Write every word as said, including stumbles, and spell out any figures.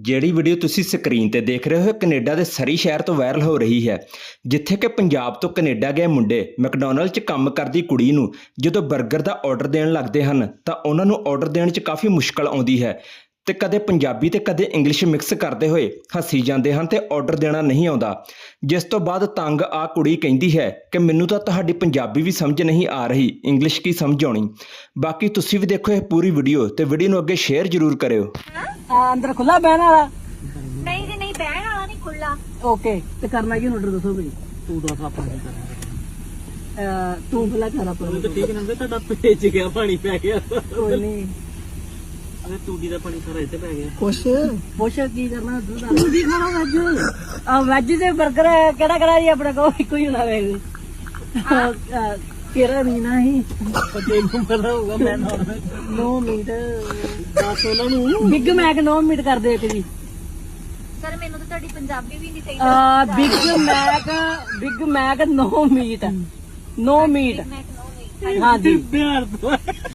ਜਿਹੜੀ ਵੀਡੀਓ ਤੁਸੀਂ ਸਕਰੀਨ ਤੇ ਦੇਖ ਰਹੇ ਹੋ ਕੈਨੇਡਾ ਦੇ ਸਰੀ ਸ਼ਹਿਰ ਤੋਂ ਵਾਇਰਲ ਹੋ ਰਹੀ ਹੈ, ਜਿੱਥੇ ਕਿ ਪੰਜਾਬ ਤੋਂ ਕੈਨੇਡਾ ਗਏ ਮੁੰਡੇ ਮੈਕਡੋਨਲਡ 'ਚ ਕੰਮ ਕਰਦੀ ਕੁੜੀ ਨੂੰ ਜਦੋਂ 버ਗਰ ਦਾ ਆਰਡਰ ਦੇਣ ਲੱਗਦੇ ਹਨ ਤਾਂ ਉਹਨਾਂ ਨੂੰ ਆਰਡਰ ਦੇਣ 'ਚ ਕਾਫੀ ਮੁਸ਼ਕਲ ਆਉਂਦੀ ਹੈ ਤੇ ਕਦੇ ਪੰਜਾਬੀ ਤੇ ਕਦੇ ਇੰਗਲਿਸ਼ ਮਿਕਸ ਕਰਦੇ ਹੋਏ ਹੱਸੀ ਜਾਂਦੇ ਹਨ ਤੇ ਆਰਡਰ ਦੇਣਾ ਨਹੀਂ ਆਉਂਦਾ। ਜਿਸ ਤੋਂ ਬਾਅਦ ਤੰਗ ਆ ਕੁੜੀ ਕਹਿੰਦੀ ਹੈ ਕਿ ਮੈਨੂੰ ਤਾਂ ਤੁਹਾਡੀ ਪੰਜਾਬੀ ਵੀ ਸਮਝ ਨਹੀਂ ਆ ਰਹੀ, ਇੰਗਲਿਸ਼ ਕੀ ਸਮਝ ਆਉਣੀ। ਬਾਕੀ ਤੁਸੀਂ ਵੀ ਦੇਖੋ ਇਹ ਪੂਰੀ ਵੀਡੀਓ ਤੇ ਵੀਡੀਓ ਨੂੰ ਅੱਗੇ ਸ਼ੇਅਰ ਜ਼ਰੂਰ ਕਰਿਓ। अंदर खुला बहन वाला नहीं जी नहीं बहन वाला नहीं खुला। ओके तो करना की ऑर्डर दसो भाई तू दस आप नहीं करना तू भला कर अपना तो ठीक ना ਤੁਹਾਡਾ ਭੇਜ ਗਿਆ ਪਾਣੀ ਪੈ ਗਿਆ कोई नहीं ਅਰੇ ਤੂੜੀ ਦਾ ਪਾਣੀ ਸਾਰਾ ਇੱਥੇ ਪੈ ਗਿਆ कुछ कुछ की करना तू भी खाना वेज आ वेज से बर्गर केड़ा केड़ा जी अपने को इको ही होना वेज केरा नहीं ना ही ਤੈਨੂੰ ਪਤਾ ਹੋਊਗਾ ਮੈਂ ਨਾਰਮਲ नौ मिनट ਦੱਸ ਉਹਨਾਂ ਨੂੰ बिग मैक नौ मिनट कर दे एक जी सर मैनू तो ਤੁਹਾਡੀ ਪੰਜਾਬੀ ਵੀ ਨਹੀਂ ਸਹੀ आ Big Mac Big Mac no meat no meat मैं हाँ जी ਬਿਹਾਰ ਤੋਂ